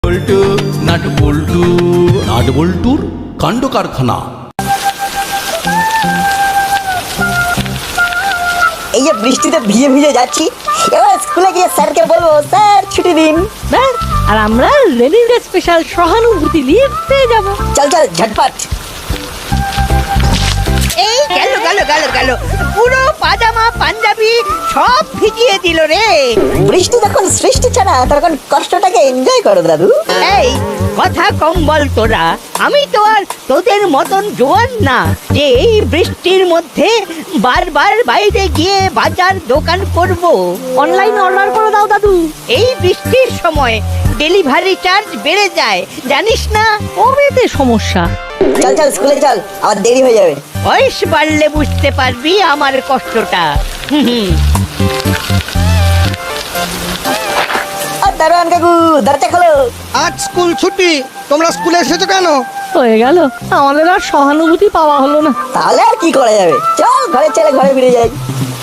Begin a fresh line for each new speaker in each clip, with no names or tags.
বল্টু nut বল্টু nut বল্টুর কাণ্ড কারখানা।
এই যে বৃষ্টিতে ভিজে ভিজে যাচ্ছি, এবার স্কুলে গিয়ে স্যারকে বলবো স্যার ছুটি দিন।
ব্যাস, আর আমরা রেনিং ডে স্পেশাল সহানুভূতি লিভ পেয়ে যাব।
চল চল ঝটপট।
এই গেল গেল গেল গেল, পুরো পাজামা পাঞ্জাবি সব ভিজিয়ে দিল রে।
বৃষ্টি যখন সৃষ্টি ছাড়া তখন কষ্টটাকে এনজয় করো দাদু।
এই কথা কম বল তোরা, আমি তো আর তোদের মতন জোয়ান না যে এই বৃষ্টির মধ্যে বারবার বাইরে গিয়ে বাজার দোকান করব।
অনলাইন অর্ডার করে দাও দাদু।
এই বৃষ্টির সময় ডেলিভারি চার্জ বেড়ে যায় জানিস না।
কবেতে সমস্যা?
চল চল স্কুলে চল, আবার দেরি হয়ে যাবে।
বয়স বাড়লে বুঝতে পারবি আমার কষ্টটা।
আর দারোয়ান কাকু দরজা খোলো।
আজ স্কুল ছুটি, তোমরা স্কুলে এসেছো কেন?
হয়ে গেল, আমাদের আর সহানুভূতি পাওয়া হলো না।
তাহলে আর কি করা যাবে, চল ঘরে চলে ঘরে ফিরে যাই।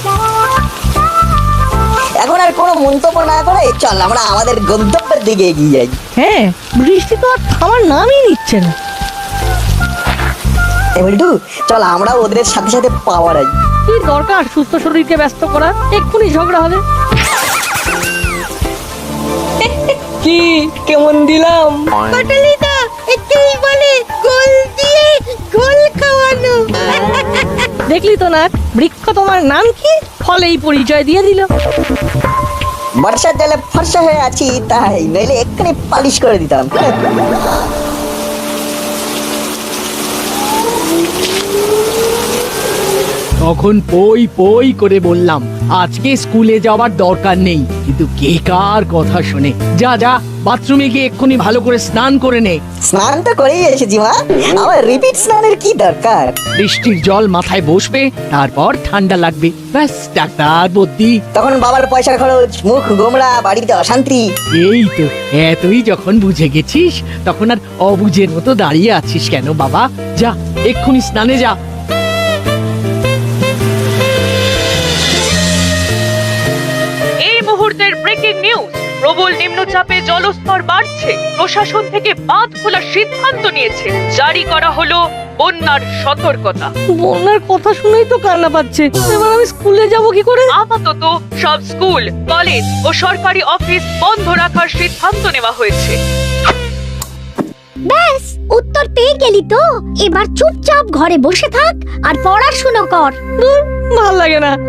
এখন আর কোনো মন্তব্য না করে চল আমরা আমাদের গন্তব্যের দিকে এগিয়ে যাই।
হ্যাঁ, বৃষ্টি তো আর থামার নামই নিচ্ছে না।
বল্টু চল আমরা ওদের সাথে সাথে পাওয়া যাই।
কি দরকার সুস্থ শরীরকে ব্যস্ত করা, এক্ষুনি ঝগড়া হবে। কি কেমন দিলাম?
পটলিদা একেই বলে গোল দিয়ে গোল খাওয়ানো।
দেখলি তো না, বৃক্ষ তোমার নাম কি, ফলেই পরিচয় দিয়ে দিল।
বর্ষার জলে ফর্সা হয়ে আছি তাই, নইলে এক্ষুনি পালিশ করে দিতাম।
তখন পই পই করে বললাম আজকে স্কুলে যাওয়ার দরকার নেই, কিন্তু কে কার কথা শোনে। যা যা, বাথরুমে গিয়ে এক্ষুনি ভালো করে স্নান করে নে।
স্নান তো করেই এসেছি মা, আবার রিপিট স্নানের কি দরকার?
বৃষ্টির জল মাথায় বসবে, তারপর ঠান্ডা লাগবে, ব্যাস ডাক্তার বদ্যি।
তখন বাবার পয়সার খরচ, মুখ গোমড়া, বাড়িতে অশান্তি।
এই তো, এতই যখন বুঝে গেছিস তখন আর অবুঝের মতো দাঁড়িয়ে আছিস কেন বাবা? যা এক্ষুনি স্নানে যা।
এই মুহূর্তের ব্রেকিং নিউজ, প্রবল নিম্নচাপে জলস্তর বাড়ছে। প্রশাসন থেকে বাঁধ খোলার সিদ্ধান্ত নিয়েছে। জারি করা হলো বন্যার সতর্কতা।
বন্যার কথা শুনেই তো কান্না পাচ্ছে। এবার আমি স্কুলে যাব কি করে?
আপাতত সব স্কুল, কলেজ ও সরকারি অফিস বন্ধ রাখার সিদ্ধান্ত নেওয়া হয়েছে।
ব্যাস, উত্তর পেয়ে গেলি তো। এবার চুপচাপ ঘরে বসে থাক আর পড়াশোনা কর।
দূর, ভাল লাগে না।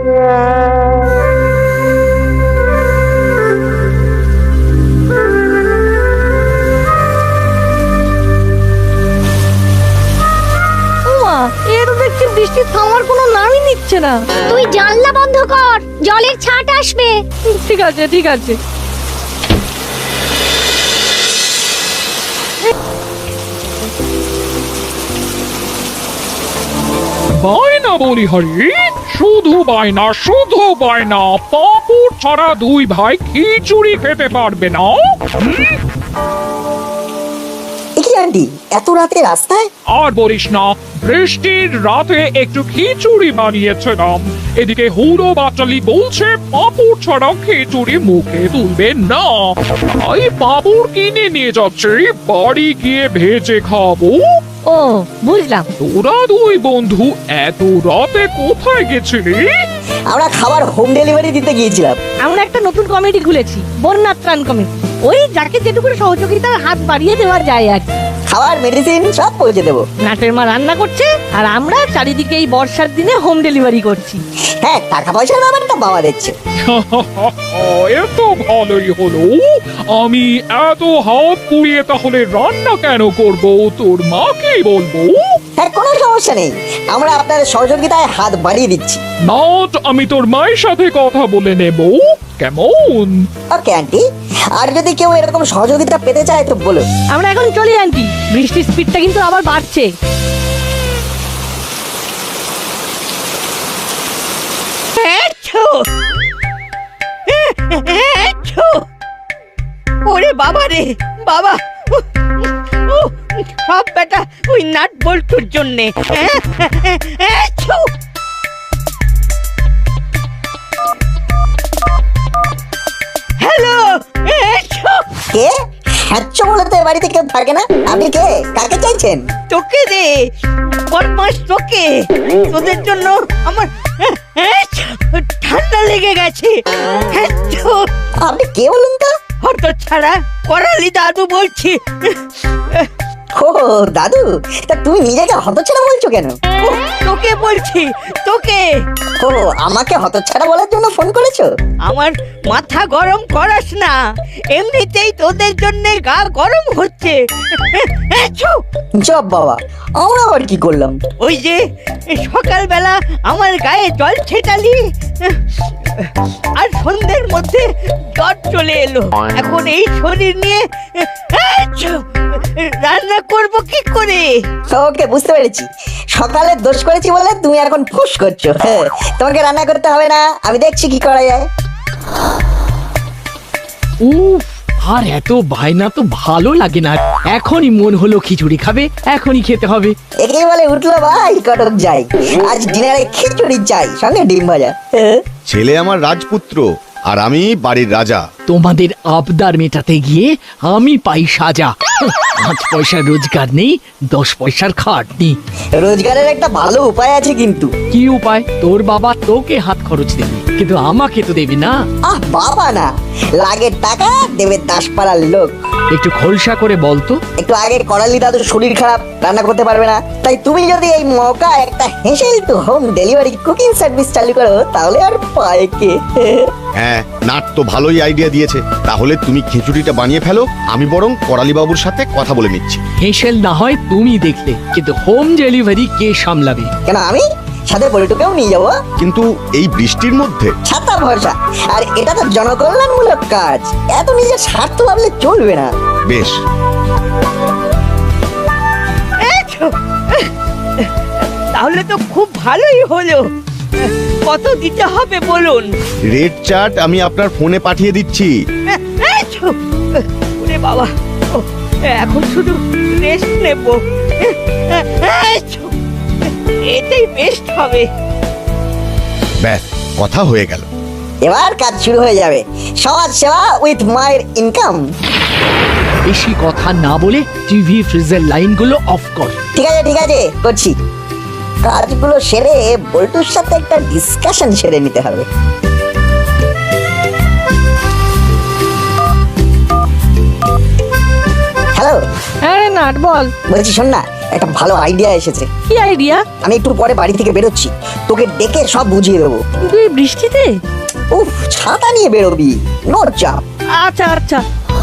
ওমা, এর দেখছি বৃষ্টি থামার কোনো নামই নিচ্ছে না।
তুই জানলা বন্ধ কর, জলের ছাট আসবে।
ঠিক আছে ঠিক আছে।
বায়না বলি হরি, শুধু বায়না শুধু বায়না। পাঁপড় ছাড়া দুই ভাই খিচুড়ি খেতে পারবে না।
কি আন্টি, এত রাতে রাস্তায়?
আর বলিস না, বৃষ্টির রাতে একটু খিচুড়ি বানিয়েছিলাম। এদিকে হুড়ো বাচালি বলছে পাঁপড় ছাড়া খিচুড়ি মুখে তুলবে না, তাই পাঁপড় কিনে নিয়ে যাচ্ছে, বাড়ি গিয়ে ভেজে খাবো।
ও বুঝলাম।
তোরা দুই বন্ধু এত রাতে কোথায় গেছিলি?
আমরা খাবার হোম ডেলিভারি দিতে গিয়েছিলাম।
আমরা একটা নতুন কমিটি খুলেছি, বন্যা ত্রাণ কমিটি। ওই যাকে যেটুকু সহযোগিতার হাত বাড়িয়ে দেওয়া যায় আর কি।
খাবার মেডিসিন সব পৌঁছে দেবো।
নাটের মা রান্না করছে আর আমরা চারিদিকে এই বর্ষার দিনে হোম ডেলিভারি করছি।
হ্যাঁ, টাকা পয়সার ব্যাপারটা বাবা দিচ্ছে।
এত ভালোই হলো। আমি এত হাত পুড়িয়ে তাহলে রান্না কেন করব? তোর মাকেই বলবো।
হ্যাঁ, কোনো সমস্যা নেই, আমরা আপনার সহযোগিতায় হাত বাড়িয়ে দিচ্ছি।
নট, আমি তোর মায়ের সাথে কথা বলে নেব, কেমন?
ওকে আন্টি, আর যদি কেউ এরকম সহযোগিতা পেতে চায় তো বলো।
আমরা এখন চলি আন্টি, বৃষ্টির স্পিডটা কিন্তু আবার বাড়ছে।
ওরে বাবা রে বাবা, সব বেটা ওই নাট বল্টুর জন্যে। হ্যালো,
কে? হ্যাচ্ছ বলে তো এ বাড়িতে কেউ থাকে না। আপনি কে? কাকে চাইছেন?
তোকে রে বদমাস, তোকে। তোদের জন্য আমার ঠান্ডা লেগে গেছে।
আপনি কে বলুন তো?
হত ছাড়া করালি দাদু বলছি।
ও দাদু, তা তুমি নিজেকে হতচ্ছাড়া বলছো কেন?
তোকে বলছি, তোকে।
ও আমাকে হতচ্ছাড়া বলার জন্য ফোন করেছো?
আমার মাথা গরম করাস না, এমনিতেই তোদের জন্য গা গরম হচ্ছে।
জব বাবা, আমরা আবার কি করলাম?
ওই যে সকালবেলা আমার গায়ে জল ছেটালি, আর সন্ধ্যের মধ্যে জ্বর চলে এলো। এখন এই শরীর নিয়ে রান্না করব কি করে?
ওকে, বুঝতে পেরেছি। সকালে দোষ করেছি বলে তুমি এখন ফুস করছো। হ্যাঁ, তোমাকে রান্না করতে হবে না, আমি দেখছি কি করা যায়।
উফ, আর এত বায়না তো ভালো লাগে না। এখনই মন হলো খিচুড়ি খাবে, এখনই খেতে হবে।
একেই বলে উঠলো ভাই কটক যাই, আজ ডিনারে খিচুড়ি চাই, সঙ্গে ডিম ভাজা।
ছেলে আমার রাজপুত্র আর আমি বাড়ির রাজা।
তোমাদের আবদার মেটাতে গিয়ে আমি পাই সাজা। 5 পয়সার রোজগার নেই, 10 পয়সার খাটনি।
রোজগারের একটা ভালো উপায় আছে কিন্তু।
কি উপায়? তোর বাবা তোকে হাত খরচ দেবে, কিন্তু আমাকে তো দেবে না।
বাবা না, লাগের টাকা দেবে দাসপাড়ার লোক।
একটু খোলসা করে বলতো।
একটু আগে করালি দাদুর শরীর খারাপ, রান্না করতে পারবে না, তাই তুমি যদি এই মৌকা একটা হেসেল to home delivery cooking service চালু করো, তাহলে আর পায় কে?
হ্যাঁ, নাট তো ভালোই আইডিয়া দিয়েছে। তাহলে তুমি খিচুড়িটা বানিয়ে ফেলো, আমি বরং করালি বাবুর সাথে কথা বলে নিচ্ছি।
হেসেল না হয় তুমি দেখলে, কিন্তু হোম ডেলিভারি কে সামলাবে?
কেন, আমি সাথে বড়টুকেও নিয়ে যাবো।
কিন্তু এই বৃষ্টির মধ্যে
ছাতা ভরসা, আর এটা তো জনকল্যাণমূলক কাজ, এত নিজের স্বার্থ ভাবলে চলবে না।
বেশ।
তাহলে তো খুব ভালোই হলো। কত দিতে হবে বলুন?
রেড চার্ট আমি আপনার ফোনে পাঠিয়ে দিচ্ছি।
ওরে বাবা, এখন শুধু রেস্ট নেব, এটাই বেস্ট হবে।
ব্যাস, কথা হয়ে গেল।
এবার কাজ শুরু হয়ে যাবে। সমাজ সেবা উইথ মায়ের ইনকাম।
বেশি কথা না বলে টিভি ফ্রিজের লাইনগুলো অফ কর।
ঠিক আছে ঠিক আছে, করছি। কাজগুলো সেরে বল্টুর সাথে একটা ডিসকাশন সেরে নিতে হবে। হ্যালো,
হ্যাঁ নাট বল।
বলছি শোন না, একটা ভালো আইডিয়া এসেছে।
কি আইডিয়া?
আমি একটু পরে বাড়ি থেকে বেরোচ্ছি, তোকে ডেকে সব বুঝিয়ে দেবো।
তুই বৃষ্টিতে?
উফ, ছাতা নিয়ে বেরোবি, নো চাপ।
আচ্ছা আচ্ছা।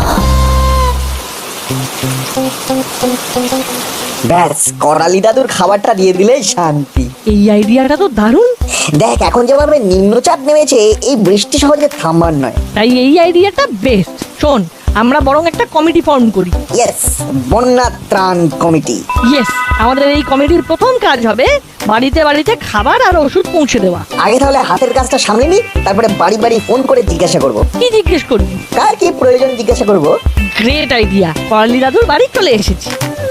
ব্যাস, করালি দাদুর খাবারটা দিয়ে দিলেই শান্তি।
এই আইডিয়াটা তো দারুণ।
দেখ, এখন যেভাবে নিম্নচাপ নেমেছে, এই বৃষ্টি সহজে থামবার নয়।
তাই এই আইডিয়াটা বেস্ট। শোন, আমরা বরং একটা কমিটি ফর্ম করি।
ইয়েস, বন্যা ত্রাণ কমিটি।
ইয়েস, আমাদের এই কমিটির প্রথম কাজ হবে বাড়িতে বাড়িতে খাবার আর ওষুধ পৌঁছে দেওয়া।
আগে তাহলে হাতের কাজটা সামলে নি, তারপরে বাড়ি বাড়ি ফোন করে জিজ্ঞাসা করব।
কি জিজ্ঞেস করবি?
কার কি প্রয়োজন জিজ্ঞাসা করব।
গ্রেট আইডিয়া, করালি দাদুর বাড়ি চলে এসেছি।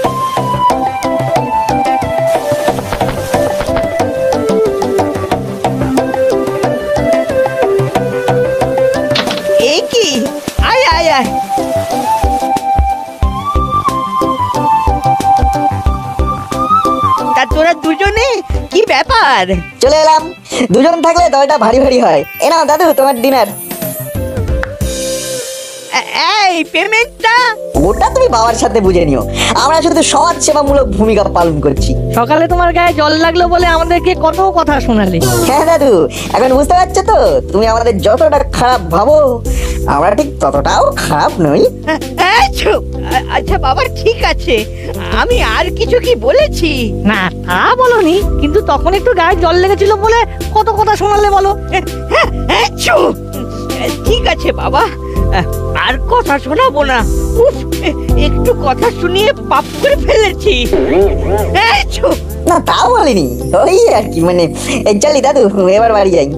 এই কি, আয় আয় আয়। তা তোরা দুজনে কি ব্যাপার?
চলে এলাম। দুজন থাকলে দলটা ভারী ভারী হয়। এ নাও দাদু, তোমার ডিনার।
এই পেমেন্টটা?
ওটা তুমি বাবার সাথে বুঝে নিও, আমরা শুধু সমাজ সেবামূলক ভূমিকা পালন করছি।
সকালে তোমার গায়ে জল লাগলো বলে আমাদেরকে কত কথা শোনালে।
হ্যাঁ দাদু, এখন বুঝতে পারছো তো? তুমি আমাদের যতটা খারাপ ভাবো, আমরা ঠিক ততটাও খারাপ নই।
আচ্ছা বাবা, ঠিক আছে। আমি আর কিছু কি বলেছি?
না, তা বলনি, কিন্তু তখন একটু গায়ে জল লেগেছিল বলে কত কথা শোনালে বলো।
ঠিক আছে বাবা, আর কথা শোনাবো না। উফ, একটু কথা শুনিয়ে পাপ করে ফেলেছি।
না, তাও বলিনি, ওই আর কি, মানে এই চলি দাদু, এবার বাড়ি যাই।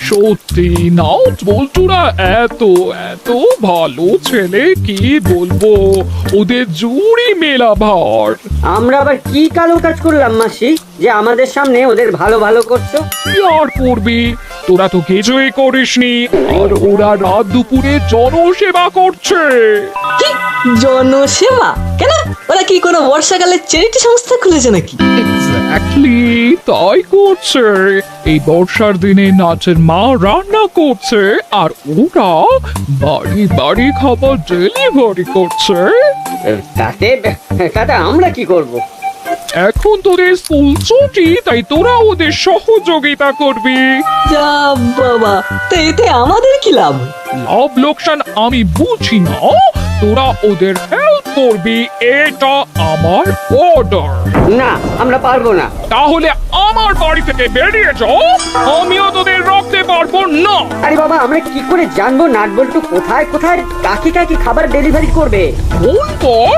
সত্যি নাট বল্টুরা এত এত ভালো ছেলে, কি বলবো, ওদের জুড়ি মেলা ভার।
আমরা আবার কি কালো কাজ করলাম মাসি যে আমাদের সামনে ওদের ভালো ভালো করছো?
কি আর করবি, তোরা তো কিছুই করিসনি, আর ওরা রাত দুপুরে জনসেবা করছে।
কি জনসেবা? কেন, ওরা কি কোনো বর্ষাকালের চ্যারিটি সংস্থা খুলেছে নাকি?
এক্স্যাক্টলি তাই করছে। এই বর্ষার দিনে নাচের মা রান্না করছে, আর ওরা বাড়ি বাড়ি খাবার ডেলিভারি করছে।
তাতে তাতে আমরা কি করব?
এখন তোদের স্কুল ছুটি, তাই তোরা ওদের সহযোগিতা করবি।
যা বাবা, তো এতে আমাদের কি লাভ?
লাভ লোকসান আমি বুঝি না, তোরা ওদের হেল্প করবি, এটা আমার অর্ডার।
না, আমরা পারবো না।
তাহলে আমার বাড়ি থেকে বেরিয়ে যাও, আমিও তোদের রাখতে পারবো না।
আরে বাবা, আমরা কি করে জানবো নাটবল্টু কোথায় কোথায় কাকে কাকে খাবার ডেলিভারি করবে?
ফোন কর।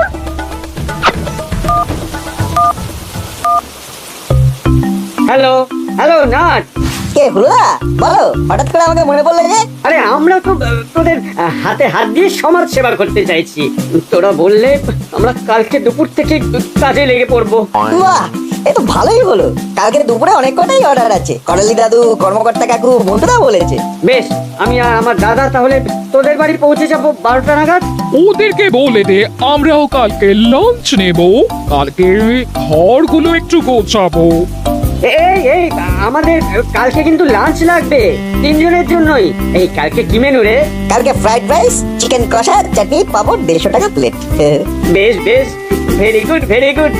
হ্যালো হ্যালো নাট।
কে হুলা? বলো, হঠাৎ করে আমাকে মনে পড়লো যে?
আরে আমরা তো তোদের হাতে হাত দিয়ে সমাজ সেবা করতে চাইছি। তোরা বললে আমরা কালকে দুপুর থেকে কাজে লেগে পড়বো।
বাহ, এ তো ভালোই হলো। কালকে দুপুরে অনেক কটাই অর্ডার আছে। করালি দাদু, কর্মকর্তা কাকু, বন্ধুরা বলেছে।
বেশ, আমি আর আমার দাদা তাহলে তোদের বাড়ি পৌঁছে যাবো 12টা নাগাদ।
ওদেরকে বলে দে আমরাও কালকে লাঞ্চ নেব, কালকে ঘরগুলো একটু গোছাবো।
এই এই আমাদের কালকে কিন্তু লাঞ্চ লাগবে 3 জনের জন্যই। এই কালকে কি মেনু রে?
কালকে ফ্রাইড রাইস, চিকেন কষা, চাটনি, পাপড়, 150 টাকা প্লেট।
বেশ বেশ, very good very good.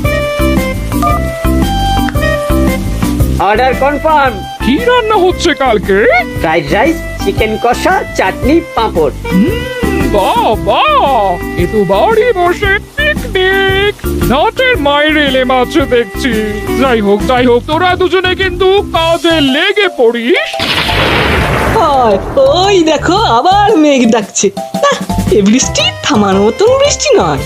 Order confirm.
কি রান্না হচ্ছে কালকে?
ফ্রাইড রাইস, চিকেন কষা, চাটনি, পাঁপড়।
বাবা, এ তো বাড়ি বসে পিকনিক। নাটের মায়ের এলে মাছে দেখছি। যাই হোক তোরা দুজনে কিন্তু কাজে লেগে পড়িস।
হয়, ওই দেখো আবার মেঘ ডাকছে। না, এ বৃষ্টি থামার মতন বৃষ্টি নয়।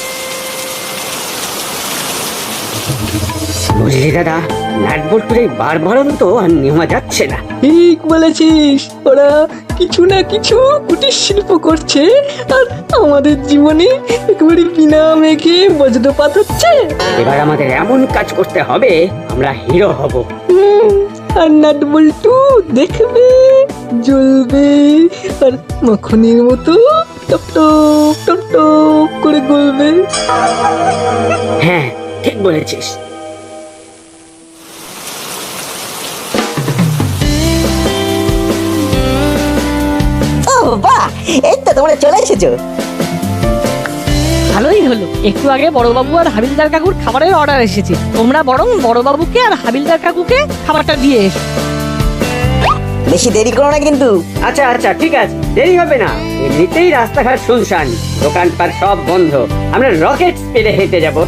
বুঝলি দাদা, নাটবল্টুর এই বারবারন্ত আর নেওয়া যাচ্ছে না।
ঠিক বলেছিস, ওরা কিছু না কিছু কুটির শিল্প করছে, আর আমাদের জীবনে একেবারে বিনা মেঘে বজ্রপাত হচ্ছে।
এবার আমাদের এমন কাজ করতে হবে, আমরা হিরো হব।
আর নাটবল্টু দেখবে, জ্বলবে, আর মাখনের মতো টপ টপ টপ টপ করে গলবে।
হ্যাঁ, ঠিক বলেছিস।
ও বাহ, এই তো তোমরা চলে এসেছো।
ভালোই হলো, একটু আগে বড়বাবু আর হাবিলদার কাকুর খাবারের অর্ডার এসেছে। তোমরা বরং বড়বাবুকে আর হাবিলদার কাকুকে খাবারটা দিয়ে এসো।
বেশি দেরি করো না কিন্তু।
আচ্ছা আচ্ছা, ঠিক আছে, দেরি হবে না। এমনিতেই রাস্তাঘাট শুনশান, দোকানপাট সব বন্ধ। আমরা রকেট স্পিডে হেঁটে যাব।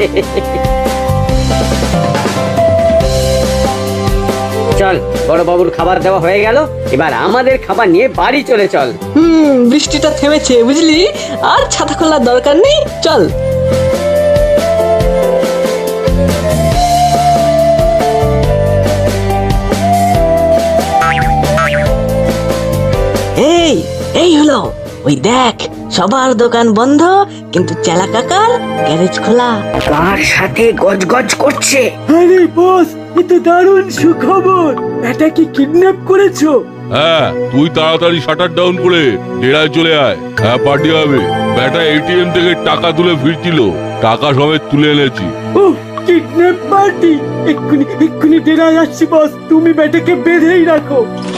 চল, বড়বাবুর খাবার দেওয়া হয়ে গেল, এবার আমাদের খাবার নিয়ে বাড়ি চলে চল।
বৃষ্টিটা থেমেছে বুঝলি, আর ছাতা খোলার দরকার নেই, চল। এই এই হলো, ওই দেখ সবার দোকান বন্ধ, কিন্তু চেলা কাকার গ্যারেজ খোলা।
কার সাথে গজগজ করছে?
আরে বস, এ তো দারুণ সুখবর। এটা কি কিডন্যাপ করেছো?
হ্যাঁ, তুই তাড়াতাড়ি শাটার ডাউন করে ডেরায় চলে আয়। হ্যাঁ, পার্টি হবে। ব্যাটা এটিএম থেকে টাকা তুলে ফিরছিল, টাকা সমেত তুলে এনেছি।
ও, কিডন্যাপ পার্টি! এক্ষুনি ডেরায় আসছি বস, তুমি ব্যাটাকে বেঁধেই রাখো।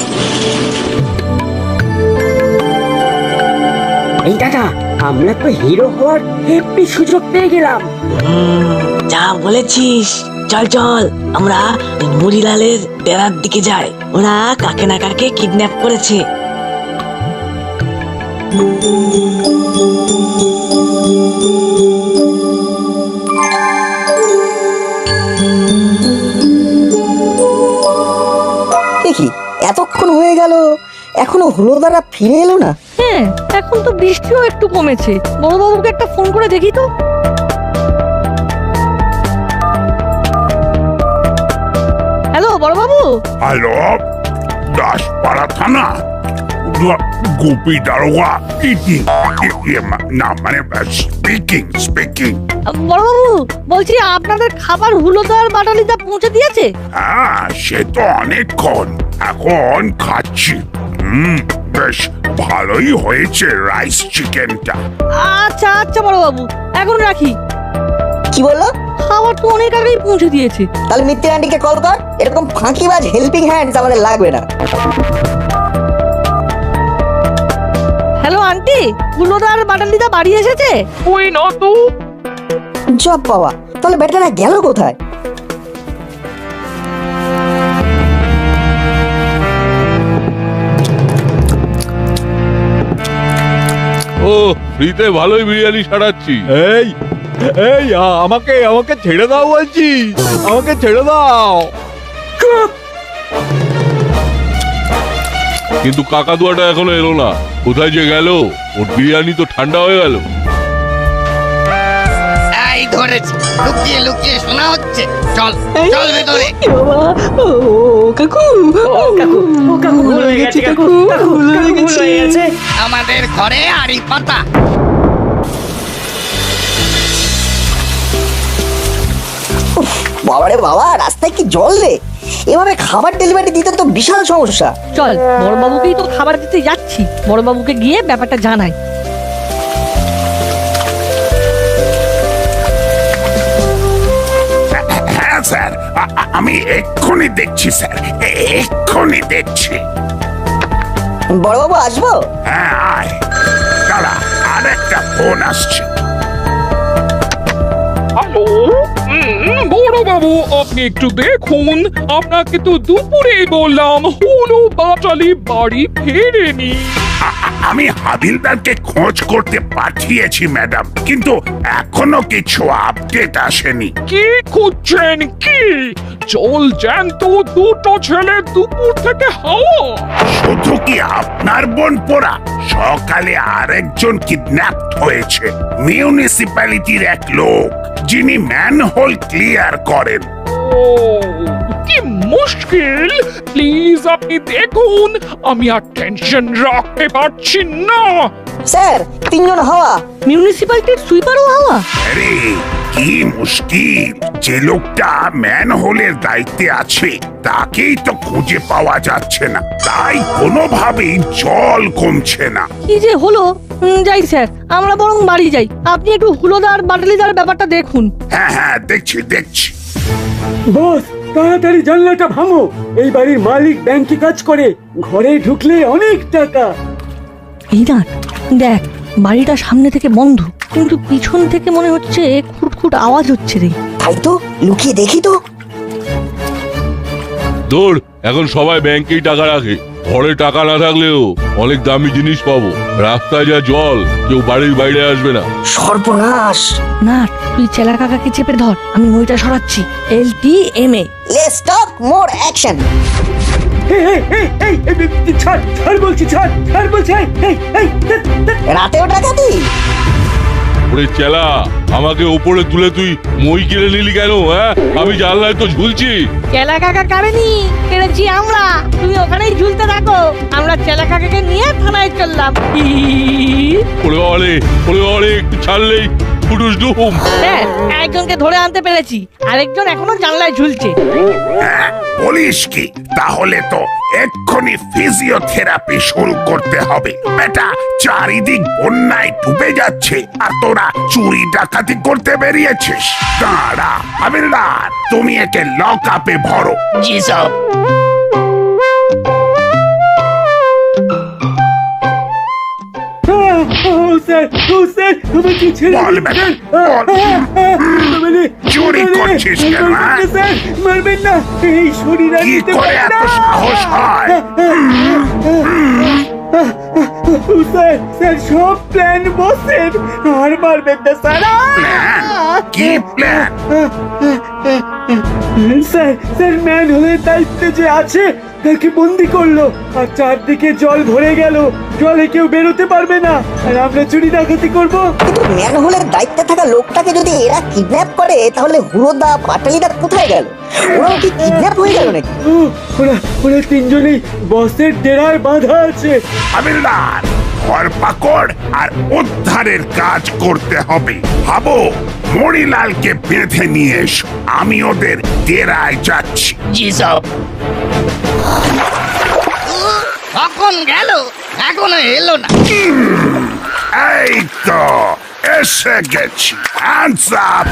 এই দাদা, আমরা তো হিরো হওয়ার হেব্বি সুযোগ পেয়ে গেলাম।
যা বলেছিস, চল চল, আমরা মুড়িলালের ডেরার দিকে যাই। ওরা কাকে না কাকে কিডন্যাপ করেছে।
দেখি এতক্ষণ হয়ে গেল, এখনো হুলোদারা ফিরে এলো না।
হ্যাঁ, এখন তো বৃষ্টিও একটু কমেছে। বড়বাবুকে একটা ফোন করে দেখি তো। হ্যালো বড়বাবু।
হ্যালো, দাসপাড়া থানা গোপী দারোগা ইটিং না মানে স্পিকিং
বড়বাবু বলছি আপনাদের খাবার হুলোদার বাটালিদা পৌঁছে দিয়েছে?
হ্যাঁ সে তো অনেকক্ষণ, এখন খাচ্ছি। বেশ ভালোই হয়েছে রাইস চিকেনটা।
আচ্ছা আচ্ছা বড়বাবু, এখন রাখি।
কি বললো?
খাবার তো অনেক আগেই পৌঁছে দিয়েছে।
তাহলে মিত্তির আন্টিকে কল কর, এরকম ফাঁকিবাজ হেল্পিং হ্যান্ডস আমাদের লাগবে না।
হ্যালো আন্টি, হুলোদার বাটালিদা বাড়ি এসেছে?
ওই না তো।
জব বাবা, তাহলে বেটারা গেল কোথায়?
ও ফ্রিতে ভালোই বিরিয়ানি সারাচ্ছি।
এই এই আমাকে আমাকে ছেড়ে দাও বলছি, আমাকে ছেড়ে দাও।
কিন্তু কাকাতুয়াটা এখনো এলো না, কোথায় যে গেল? ওর বিরিয়ানি তো ঠান্ডা হয়ে গেল।
এই ধরেছি, লুকিয়ে লুকিয়ে শোনা হচ্ছে। চল চল ভেতরে।
এ বাবা, ও কাকু, ও কাকু ভুল হয়ে গেছে, কাকু ভুল হয়ে গেছে।
আমাদের ঘরে আড়ি পাতা।
বাবারে বাবা, রাস্তায় কি জল রে! এভাবে খাবার ডেলিভারি দিতে তো বিশাল সমস্যা।
চল বড়বাবুকেই তো খাবার দিতে যাচ্ছি, বড়বাবুকে গিয়ে ব্যাপারটা জানাই।
হ্যাঁ স্যার, আমি এক্ষুনি দেখছি স্যার, এক্ষুনি দেখছি।
বড়বাবু আসবো?
হ্যাঁ আয়, দাঁড়া আরেকটা ফোন আসছে।
হ্যালো, বড় বাবু আপনি একটু দেখুন, আপনাকে তো দুপুরে বললাম হুলো বাটালি বাড়ি ফেরেনি।
আমি হাবিলদারকে খোঁজ করতে পাঠিয়েছি ম্যাডাম, কিন্তু এখনো কিছু আপডেট আসেনি।
কি খুঁজছেন কি? জল জ্যান্ত দুটো ছেলে দুপুর থেকে হাওয়া।
শুধু কি আপনার বোন পোড়া, সকালে আরেকজন কিডন্যাপ হয়েছে। মিউনিসিপ্যালিটির এক লোক, যিনি ম্যানহোল ক্লিয়ার করেন।
ও কি মুশকিল! প্লিজ আপনি দেখুন, আমি আর টেনশন রাখতে পারছি না।
স্যার, 3 জন হাওয়া।
মিউনিসিপ্যালিটির সুইপারও হাওয়া?
আরে কি মুশকিল! যে লোকটা ম্যানহোলের দায়িত্বে আছে তাকেই তো খুঁজে পাওয়া যাচ্ছে না, তাই কোনোভাবেই জল কমছে না।
কি যে হলো! যাই স্যার, আমরা বরং বাড়ি যাই। আপনি একটু হুলোদার বাটালিদার ব্যাপারটা দেখুন।
হ্যাঁ হ্যাঁ দেখছি দেখছি।
বস, তাড়াতাড়ি জানলাটা ভাঙো। এই বাড়ির মালিক ব্যাংকে কাজ করে, ঘরে ঢুকলে অনেক টাকা।
এই না, দেখ বাড়িটা সামনে থেকে বন্ধ, কিন্তু পিছন থেকে মনে হচ্ছে খুটখুট আওয়াজ হচ্ছে রে।
তাই তো, লুকিয়ে দেখি তো।
দৌড়, এখন সবাই ব্যাংকেই টাকা রাখে। ঘরে টাকা না থাকলেও অনেক দামি জিনিস পাবো। রাস্তায় যা জল, কেউ বাড়ির বাইরে আসবে না।
সর্বনাশ!
না, তুই চেলা কাকাকে চেপে ধর, আমি মইটা সরাচ্ছি। LTMA।
Let's talk more action.
ছাড় বলছি, ছাড় বলছি।
রাতেও ডাকাতি?
ওরে চেলা, আমাকে ওপরে তুলে তুই মই কিনে নিলি কেন? হ্যাঁ, আমি জানলায় তো ঝুলছি।
চেলা কাকা কারেনি, কেড়েছি আমরা। তুমি ওখানেই ঝুলতে থাকো, আমরা চেলা কাকাকে নিয়ে থানায় চললাম।
ওরে বাবারে, একটু ছাড়লেই ফুটুস ডুম।
হ্যাঁ, একজনকে ধরে আনতে পেরেছি, আরেকজন এখনো জানলায় ঝুলছে।
হ্যাঁ, বলিস কি? তাহলে তো এক্ষুনি ফিজিওথেরাপি শুরু করতে হবে। বেটা, চারিদিক বন্যায় ডুবে যাচ্ছে আর তোরা চুরি ডাকাতি করতে বেরিয়েছিস। দাঁড়া হাবিলদার, তুমি একে লক আপে ভরো।
জি সব।
বল বেটা, বল। চুরি করছিস কেন? হ্যাঁ?
মারবেন না, এই শরীর
কি করে এত সাহস হয়?
স্যার সব প্ল্যান বসের, আর মারবেন না স্যার।
প্ল্যান? কি প্ল্যান?
স্যার ম্যানহোলের দায়িত্বে যে আছে তাকে বন্দি করলো আর চারদিকে জল ভরে গেল, জলে কেউ বেরোতে পারবে না, আর আমরা চুরি ডাকাতি করবো।
কিন্তু ম্যানহোলের দায়িত্বে থাকা লোকটাকে যদি এরা কিডন্যাপ করে তাহলে হুড়োদা পাটালিদা কোথায় গেল? ওরাও কি কিডন্যাপ হয়ে গেল নাকি?
ওরা তিনজনেই বসের ডেরায় বাঁধা আছে।
হাবিলদার, ধরপাকড় আর উদ্ধারের কাজ করতে হবে। ভাবো, মণিলালকে বেঁধে নিয়ে এসো, আমি ওদের ডেরায় যাচ্ছি।
জি সব কখন গেল, এখনো এলো না।
এই তো এসে গেছি। Hands up.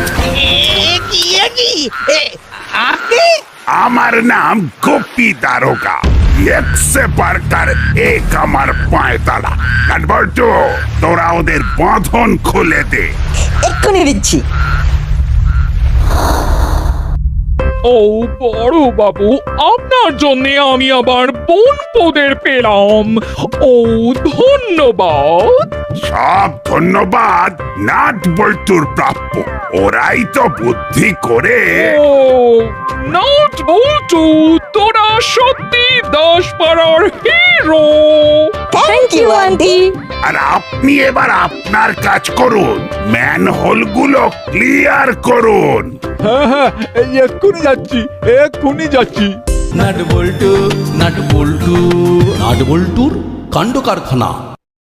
আপনি?
আমার নাম গোপী দারোগা। এক সে বারকার এক আমার পায়তালা। কাঠবল্টু, তোরা ওদের বাঁধন খুলে দে।
এক্ষুনি দিচ্ছি।
ও বড় বাবু, আপনার জন্য আমি আবার বনপোদের পেলাম। ও ধন্যবাদ।
সব ধন্যবাদ নাট বল্টুর প্রাপ্য। ওরাই তো বুদ্ধি করে।
ও নট বল্টু, তোরা সত্যি 10 পাড়ার হিরো।
Thank you aunty.
আর আপনি এবার আপনার কাজ করুন, ম্যানহোলগুলো ক্লিয়ার করুন।
হ্যাঁ হ্যাঁ, এই এক্ষুনি যাচ্ছি, এক্ষুনি যাচ্ছি।
নাট বল্টুর কাণ্ড কারখানা।